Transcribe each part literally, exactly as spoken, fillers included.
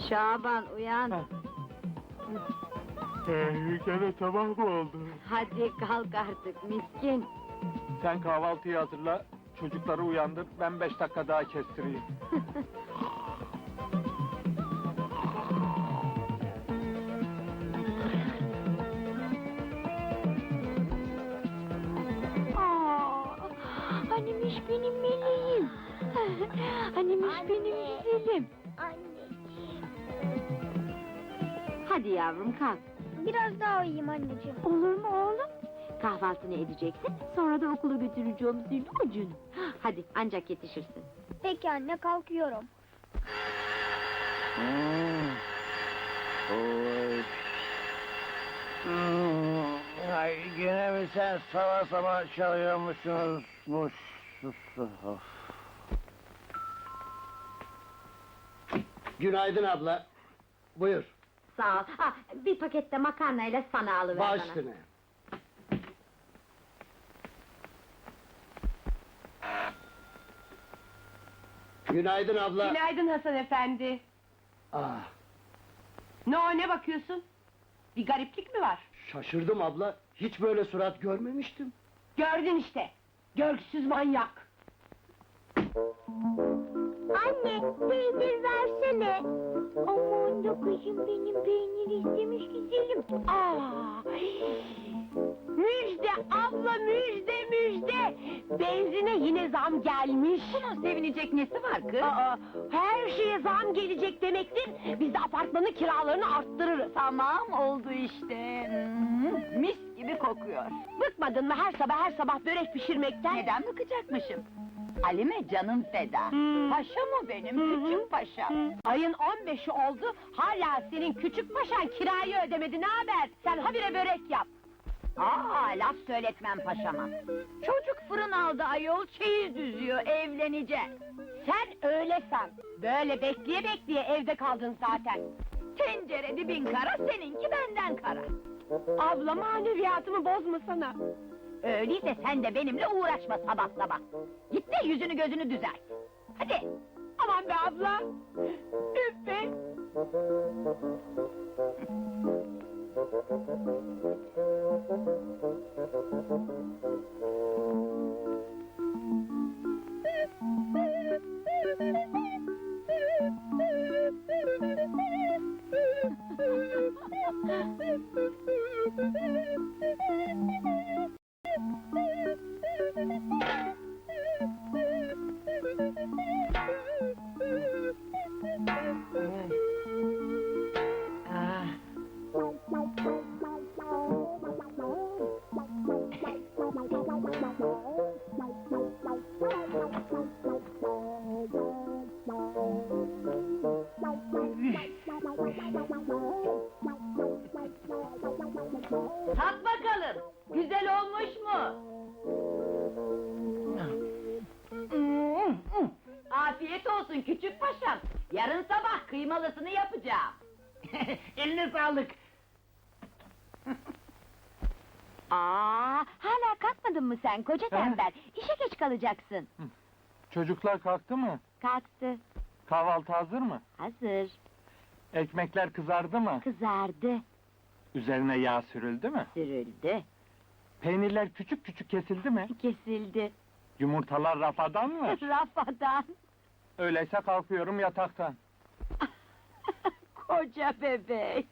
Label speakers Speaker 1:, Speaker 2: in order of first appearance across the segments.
Speaker 1: Şaban uyan.
Speaker 2: Ee, gene sabah mı oldu?
Speaker 1: Hadi kalk artık miskin.
Speaker 2: Sen kahvaltıyı hazırla, çocukları uyandır, ben beş dakika daha kestireyim.
Speaker 1: Aa, hanimiş benim meleğim. Hanimiş benim güzelim.
Speaker 3: Anneciğim.
Speaker 1: Hadi yavrum kalk.
Speaker 3: Biraz daha uyuyayım anneciğim.
Speaker 1: Olur mu oğlum? Kahvaltını edeceksin, sonra da okula götüreceğim değil mi canım? Hadi ancak yetişirsin.
Speaker 3: Peki anne, kalkıyorum.
Speaker 2: Hmm. Oy.
Speaker 4: Hmm, ay gene mi sen sabah sabah çalıyormuşsunuz? Muş, sus, of. Günaydın abla. Buyur.
Speaker 1: Sağ ol. Ha, bir pakette makarnayla sana alıver
Speaker 4: Baş
Speaker 1: bana.
Speaker 4: üstüne. Günaydın abla.
Speaker 5: Günaydın Hasan efendi.
Speaker 4: Ah,
Speaker 5: Ne o, ne bakıyorsun? Bir gariplik mi var?
Speaker 4: şaşırdım abla. Hiç böyle surat görmemiştim.
Speaker 5: Gördün işte. Görgüsüz manyak.
Speaker 3: Anne, peynir versene. Aman da kızım, benim peynir istemiş güzelim.
Speaker 5: Aa! Müjde abla, müjde müjde! Benzine yine zam gelmiş.
Speaker 1: Bunun sevinecek nesi var kız?
Speaker 5: Aa, her şeye zam gelecek demektir. Biz de apartmanın kiralarını arttırırız.
Speaker 1: Tamam oldu işte. Hmm, mis gibi kokuyor.
Speaker 5: Bıkmadın mı her sabah her sabah börek pişirmekten?
Speaker 1: Neden bıkacakmışım? Halime canım feda.
Speaker 5: Hmm.
Speaker 1: Paşa mı benim, küçük paşam?
Speaker 5: Ayın on beşi oldu, hala senin küçük paşan kirayı ödemedi, ne haber? Sen habire börek yap.
Speaker 1: Aa, laf söyletmem paşama. Çocuk fırın aldı ayol, çeyiz düzüyor, evlenecek.
Speaker 5: Sen öyle san. Böyle bekleye bekleye evde kaldın zaten.
Speaker 1: Tencere dibin kara, seninki benden kara.
Speaker 5: Abla, maneviyatımı bozmasana.
Speaker 1: Öyleyse sen de benimle uğraşma sabah sabah. Git de yüzünü gözünü düzelt. Hadi.
Speaker 5: Aman be abla! Üf be!
Speaker 1: Tat bakalım, güzel olmuş mu? Afiyet olsun küçük paşam. Yarın sabah kıymalısını yapacağım.
Speaker 4: Eline sağlık.
Speaker 1: Aa, hala kalkmadın mı sen koca tembel? İşe geç kalacaksın.
Speaker 2: Çocuklar kalktı mı?
Speaker 1: Kalktı.
Speaker 2: Kahvaltı hazır mı?
Speaker 1: Hazır.
Speaker 2: Ekmekler kızardı mı?
Speaker 1: Kızardı.
Speaker 2: Üzerine yağ sürüldü mü?
Speaker 1: Sürüldü.
Speaker 2: Peynirler küçük küçük kesildi mi?
Speaker 1: Kesildi.
Speaker 2: Yumurtalar rafadan mı?
Speaker 1: Rafadan.
Speaker 2: Öyleyse kalkıyorum yataktan.
Speaker 1: Koca bebek.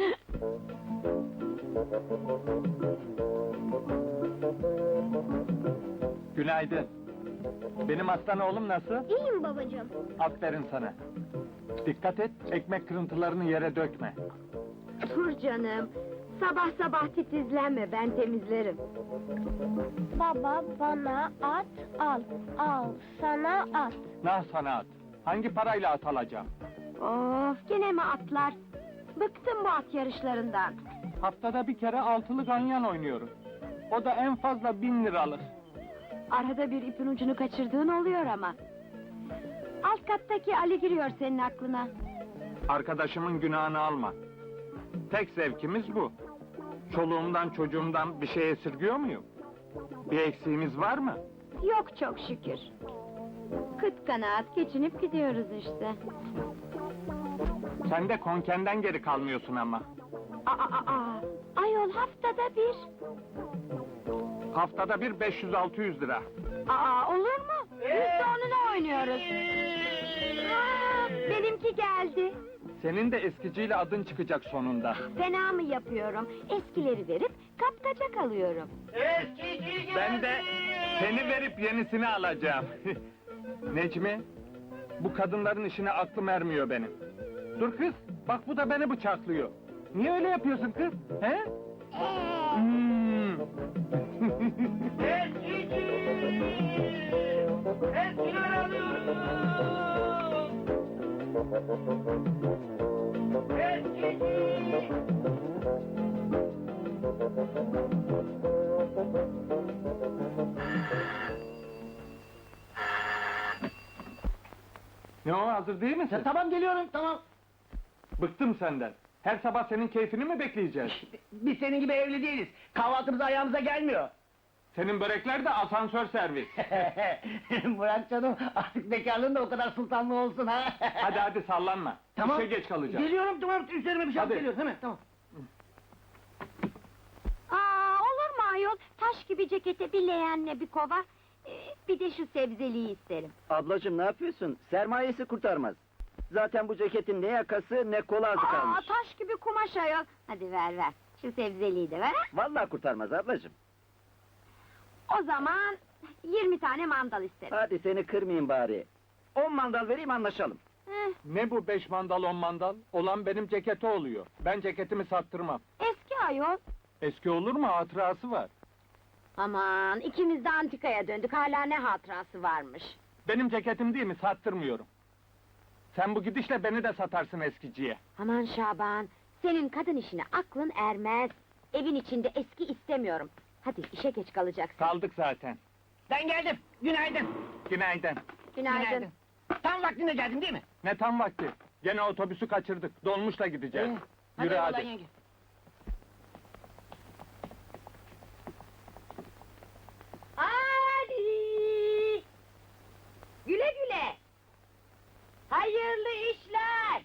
Speaker 2: Günaydın. Benim aslan oğlum nasıl?
Speaker 3: İyiyim babacığım.
Speaker 2: Aferin sana. Dikkat et, ekmek kırıntılarını yere dökme.
Speaker 1: Dur canım. Sabah sabah titizlenme, ben temizlerim.
Speaker 3: Baba, bana at al. Al sana at.
Speaker 2: Nah sana at. Hangi parayla at alacağım?
Speaker 1: Of, gene mi atlar? Bıktım bu at yarışlarından.
Speaker 2: Haftada bir kere altılı ganyan oynuyoruz. O da en fazla bin liralık.
Speaker 1: Arada bir ipin ucunu kaçırdığın oluyor ama. Alt kattaki Ali giriyor senin aklına.
Speaker 2: Arkadaşımın günahını alma. Tek zevkimiz bu. Çoluğumdan çocuğumdan bir şey esirgiyor muyum? Bir eksiğimiz var mı?
Speaker 1: Yok çok şükür. Kıt kanaat geçinip gidiyoruz işte.
Speaker 2: Sen de konkenden geri kalmıyorsun ama.
Speaker 1: Aa, aa, aa. Ayol haftada bir.
Speaker 2: Haftada bir beş yüz altı yüz lira.
Speaker 1: Aa, olur mu? Biz de onunla oynuyoruz. Aa, benimki geldi.
Speaker 2: Senin de eskiciyle adın çıkacak sonunda.
Speaker 1: Fena mı yapıyorum? Eskileri verip kapkaçak alıyorum.
Speaker 2: Ben de seni verip yenisini alacağım. Necmi, bu kadınların işine aklım ermiyor benim. Dur kız, bak bu da beni bıçaklıyor. Niye öyle yapıyorsun kız? He? Hmm. Ne o, hazır değil misin?
Speaker 4: Tamam geliyorum, tamam.
Speaker 2: Bıktım senden. Her sabah senin keyfini mi bekleyeceğiz?
Speaker 4: Biz senin gibi evli değiliz. Kahvaltımız ayağımıza gelmiyor.
Speaker 2: Senin börekler de asansör servis.
Speaker 4: Murat canım, artık bekarlığın da o kadar sultanlı olsun ha.
Speaker 2: Hadi hadi sallanma.
Speaker 4: Tamam.
Speaker 2: İşe geç kalacağım.
Speaker 4: Geliyorum, tamam, üzerime bir şey alıp
Speaker 2: Hadi.
Speaker 4: geliyorum, hemen, tamam.
Speaker 1: Aa, olur mu ayol? Taş gibi cekete bir leğenle bir kova. Ee, bir de şu sebzeliği isterim.
Speaker 6: Ablacığım ne yapıyorsun? Sermayesi kurtarmaz. Zaten bu ceketin ne yakası ne kolu azı
Speaker 1: Aa,
Speaker 6: kalmış.
Speaker 1: taş gibi kumaş ayol. Hadi ver ver. Şu sebzeliği de ver. ha?
Speaker 6: Vallahi kurtarmaz ablacığım.
Speaker 1: O zaman yirmi tane mandal isterim.
Speaker 6: Hadi seni kırmayayım bari. On mandal vereyim anlaşalım.
Speaker 1: Heh,
Speaker 2: Ne bu beş mandal on mandal? Olan benim ceketi oluyor. Ben ceketimi sattırmam.
Speaker 1: eski ayol.
Speaker 2: Eski olur mu? Hatırası var.
Speaker 1: Aman ikimiz de antikaya döndük. Hala ne hatırası varmış.
Speaker 2: Benim ceketim değil mi? Sattırmıyorum. Sen bu gidişle beni de satarsın eskiciye.
Speaker 1: Aman Şaban, senin kadın işine aklın ermez. Evin içinde eski istemiyorum. Hadi işe geç kalacaksın.
Speaker 2: Kaldık zaten.
Speaker 4: Ben geldim, günaydın.
Speaker 2: Günaydın.
Speaker 1: Günaydın.
Speaker 4: Tam vaktinde geldin değil mi?
Speaker 2: Ne tam vakti? Gene otobüsü kaçırdık. Dolmuşla gideceğiz.
Speaker 4: Ee,
Speaker 2: Yürü
Speaker 4: eyvallah
Speaker 2: hadi.
Speaker 4: yenge.
Speaker 1: Hadi! Güle güle! Hayırlı işler!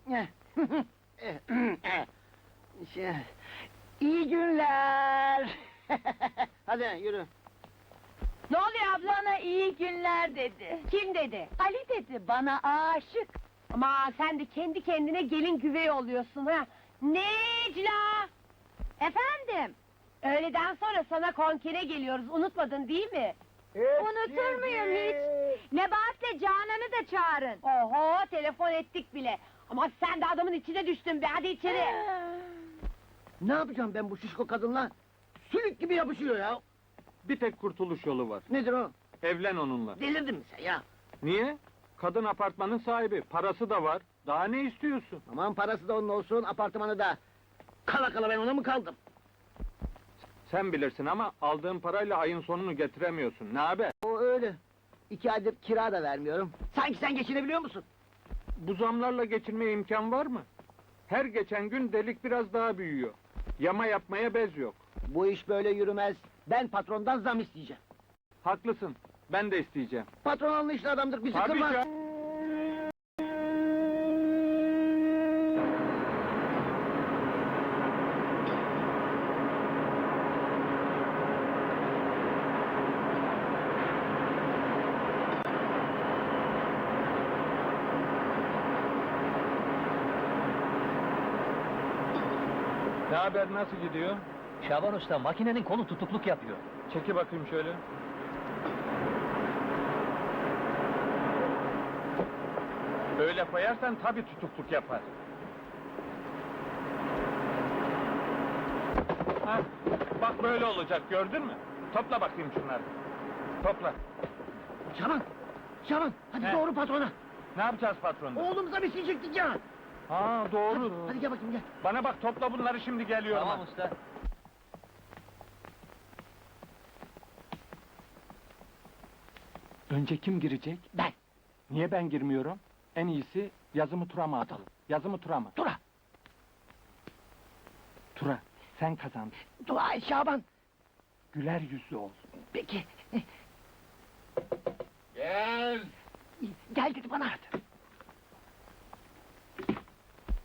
Speaker 4: Şey, İyi günler. Hadi yürü.
Speaker 5: Ne oluyor abla? Bana iyi günler dedi. Kim dedi? Ali dedi, bana aşık. Ama sen de kendi kendine gelin güvey oluyorsun ha. Necla!
Speaker 1: Efendim,
Speaker 5: Öğleden sonra sana konkere geliyoruz, unutmadın değil mi?
Speaker 1: unutur muyum hiç? Nebahat'le Canan'ı da çağırın.
Speaker 5: Oho, telefon ettik bile. Ama sen de adamın içine düştün be, hadi içeri.
Speaker 4: Ne yapacağım ben bu şişko kadınla? Sülük gibi yapışıyor ya.
Speaker 2: Bir tek kurtuluş yolu var.
Speaker 4: Nedir o?
Speaker 2: Evlen onunla.
Speaker 4: Delirdin mi sen ya?
Speaker 2: Niye? Kadın apartmanın sahibi. Parası da var. Daha ne istiyorsun?
Speaker 4: Aman parası da onun olsun, apartmanı da. Kala kala ben ona mı kaldım?
Speaker 2: Sen bilirsin ama aldığın parayla ayın sonunu getiremiyorsun. Ne haber?
Speaker 4: O öyle. İki aydır kira da vermiyorum. Sanki sen geçinebiliyor musun?
Speaker 2: Bu zamlarla geçinmeye imkan var mı? Her geçen gün delik biraz daha büyüyor. Yama yapmaya bez yok.
Speaker 4: Bu iş böyle yürümez. Ben patrondan zam isteyeceğim.
Speaker 2: Haklısın. Ben de isteyeceğim.
Speaker 4: Patron anlayışlı adamdır, bizi
Speaker 2: Tabii
Speaker 4: kırmaz.
Speaker 2: ya. Ne haber, nasıl gidiyor?
Speaker 6: Şaban Usta makinenin kolu tutukluk yapıyor.
Speaker 2: Çeki bakayım şöyle. Böyle koyarsan tabii tutukluk yapar. Hah, bak böyle olacak, gördün mü? Topla bakayım şunları. Topla.
Speaker 4: Şaban! Şaban! Hadi
Speaker 2: He.
Speaker 4: doğru patrona!
Speaker 2: Ne yapacağız patronda?
Speaker 4: Oğlumuza bir şey çektik ya!
Speaker 2: Ha doğru.
Speaker 4: Hadi, hadi gel bakayım gel.
Speaker 2: Bana bak, topla bunları, şimdi geliyorum.
Speaker 6: Tamam usta.
Speaker 2: Önce kim girecek?
Speaker 4: Ben!
Speaker 2: Niye ben girmiyorum? En iyisi yazımı Turam'a atalım. Yazımı Turam'a.
Speaker 4: Tura!
Speaker 2: Tura, sen kazandın.
Speaker 4: Dua et Şaban!
Speaker 2: Güler yüzlü ol.
Speaker 4: Peki.
Speaker 2: Gel.
Speaker 4: Gel dedi bana.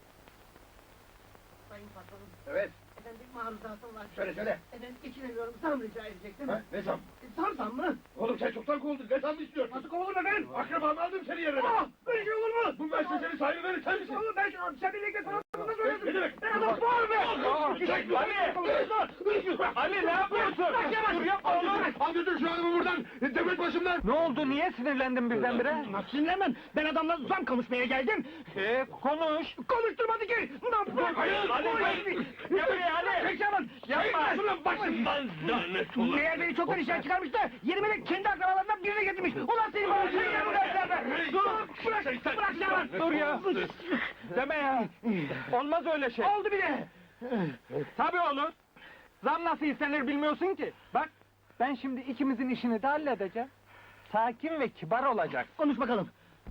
Speaker 7: patronum.
Speaker 4: Evet.
Speaker 7: Efendim bir maruzatım var.
Speaker 4: Söyle söyle.
Speaker 7: Efendim geçinemiyorum. Zam rica edecektim.
Speaker 4: Ha, ne zam?
Speaker 7: Zam zam mı?
Speaker 4: Oğlum sen çoktan kovuldun. Ne zam istiyorsun?
Speaker 7: Nasıl kovuldum efendim?
Speaker 4: Akrabamı aldım seni yerine.
Speaker 7: Aa, böyle şey olur mu?
Speaker 4: Bu müessesenin sahibi benim, sen misin?
Speaker 7: Oğlum ben sen birlikte sana sana söyledim.
Speaker 4: Ne demek?
Speaker 7: Ben adam var be!
Speaker 4: Çek
Speaker 2: Ali! Ali ne yapıyorsun?
Speaker 7: Bırak Yaman!
Speaker 2: Dur yapma oğlum!
Speaker 4: Al götür şu adamı buradan. Devlet başımdan.
Speaker 2: Ne oldu? Niye sinirlendin birdenbire?
Speaker 7: Nasıl sinirlenmem? Ben adamla zam konuşmaya geldim.
Speaker 2: Ee, konuş.
Speaker 7: Konuşturmadı ki! Lan bırak!
Speaker 4: Hayır,
Speaker 2: Ali, Ali! Gel buraya Ali!
Speaker 7: Çek Yaman!
Speaker 2: Yapma!
Speaker 4: Şunun başımdan lanet olsun.
Speaker 7: Meğer beni çoktan işten çıkarmış da yerime de kendi akrabalarından birine getirmiş. Ulan seni bana sen ya buraya! Dur! Bırak! Bırak Yaman!
Speaker 2: Dur ya! Deme ya! Olmaz öyle şey!
Speaker 7: Oldu bile!
Speaker 2: Tabii olur! Zam nasıl istenir bilmiyorsun ki! Bak, ben şimdi ikimizin işini de halledeceğim. Sakin ve kibar olacak.
Speaker 7: Konuş bakalım.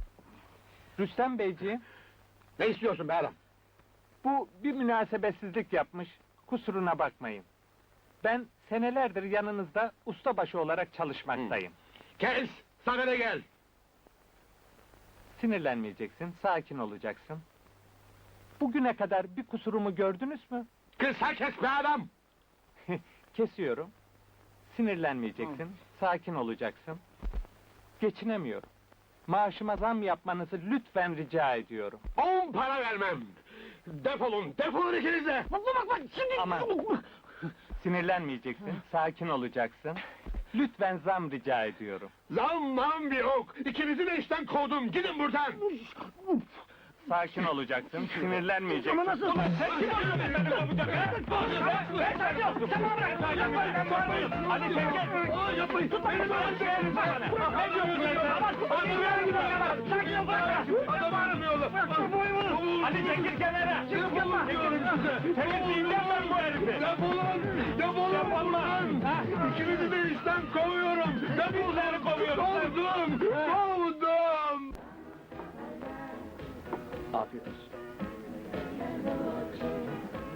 Speaker 2: Rüstem Beyciğim,
Speaker 4: Ne istiyorsun be adam?
Speaker 2: bu bir münasebetsizlik yapmış, kusuruna bakmayın. Ben senelerdir yanınızda ustabaşı olarak çalışmaktayım.
Speaker 4: Kes. Sana ne gel?
Speaker 2: Sinirlenmeyeceksin, sakin olacaksın. Bugüne kadar bir kusurumu gördünüz mü?
Speaker 4: Kısa kes be adam.
Speaker 2: Kesiyorum. Sinirlenmeyeceksin, sakin olacaksın. Geçinemiyorum. Maaşıma zam yapmanızı lütfen rica ediyorum.
Speaker 4: On para vermem. Defolun, defolun ikiniz de.
Speaker 7: Bak bak bak şimdi...
Speaker 2: Ama- Sinirlenmeyeceksin, sakin olacaksın. Lütfen zam rica ediyorum.
Speaker 4: Lan lan bir ok. İkinizi de işten kovdum. Gidin buradan.
Speaker 2: Sakin olacaksın, sinirlenmeyeceksin.
Speaker 7: Ama nasıl?
Speaker 2: Ulan sen kim oluyorsun beni kovacak ha? Ben, ben saçıyorum, sen bana bırak! Ben bağırmayın! Hadi sen gel!
Speaker 4: Yapmayın.
Speaker 2: Tut beni, ben söyleyeyim sana! Ne diyorsun sen bana? Hadi ver bir bana! Sakin ol, bırak!
Speaker 4: Adam aramıyorlar.
Speaker 2: Hadi çekil kenara!
Speaker 4: Defolun diyorum size.
Speaker 2: Temizleyeceğim ben bu herifi!
Speaker 4: Defolun. Defolun
Speaker 2: Defolma.
Speaker 4: buradan.
Speaker 2: Ha?
Speaker 4: İkinizi de işten kovuyorum.
Speaker 2: Bizleri kovuyoruz!
Speaker 4: Kovdum. Kovdum.
Speaker 6: Afiyet olsun.